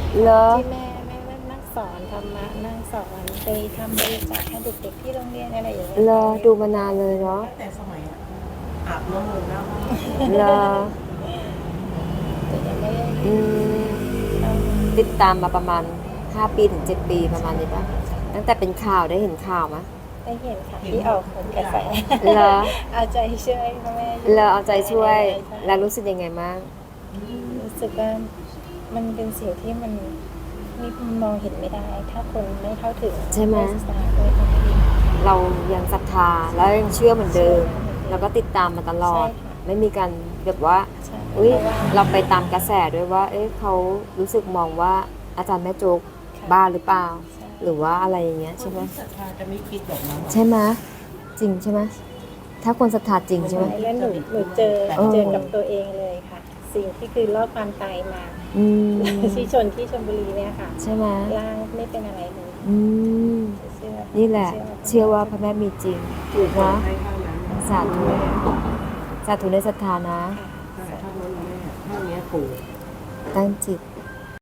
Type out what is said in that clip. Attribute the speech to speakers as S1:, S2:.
S1: เหรอ
S2: ที่แม่นั่งสอนธรรมะนั่งสอนไปทำบริจาคให้เด็กๆที่โรงเรียนอะไรอย่างเงี้ย
S1: เหรอ
S2: ค่ะ
S1: ดูมานานเลยเนาะ
S3: ตั้งแต่สมัยอาบน้ำมนต์แล้ว
S1: เหรอ
S2: แต่ยังไม่ได้
S1: อืม
S2: เข้ามา
S1: ติดตามมาประมาณ5 ปีถึง 7 ปีประมาณนี้ป่ะตั้งแต่เป็นข่าวได้เห็นข่าวไหม
S2: ได้เห็นค่ะที่ออกผลกระแส
S1: เหรอ
S2: เอาใจช่วยพ่อแม่อยู่
S1: เราเอาใจช่วย
S2: ใช่
S1: แล้วรู้สึกยังไงบ้าง
S2: รู้สึกว่ามันเป็นสิ่งที่มันมองเห็นไม่ได้ ถ้าคนไม่เข้าถึง
S1: ใช่ไหม
S2: ศึกษาด้วยทางที่ดี
S1: เรายังศรัทธาแล้วยังเชื่อเหมือนเดิม แล้วก็ติดตามมาตลอด
S2: ใช่ค่ะ
S1: ไม่มีการแบบว่า
S2: ใช่
S1: อุ้ย
S2: เพราะว่า
S1: เราไปตามกระแสด้วยว่า เอ๊ะเขารู้สึกมองว่าอาจารย์แม่โจ๊ก
S2: ค่ะ
S1: บ้าหรือเปล่า
S2: ใช่
S1: หรือว่าอะไรอย่างเงี้ย
S3: ค
S1: ใช่
S3: น
S1: ไหม
S3: ที่ศรัทธาจะไม่คิดแบบนั้นหรอก
S1: ใช่ไหมจริงใช่ไหมถ้าคนศรัทธาจริงใช่ไหม
S2: แล้วหนูเจอ
S1: เออ
S2: เจอกับตัวเองเลยค่ะ สิ่งที่คือรอดความตายมา
S1: อืม
S2: ที่ที่ชลบุรีเนี่ยค่ะ
S1: ใช่ไหม
S2: ร่างไม่เป็นอะไรเลย
S1: อืม
S2: เชื่อ
S1: นี่แหละ เชื่อว่าพระแม่มีจริง
S3: ถูก
S1: นะ
S3: ให้เท่านั้น
S1: สาธุสาธุในศรัทธานะ
S3: ใช่เท่านั้นแม่เท่านี้ปู่
S1: ตั้งจิต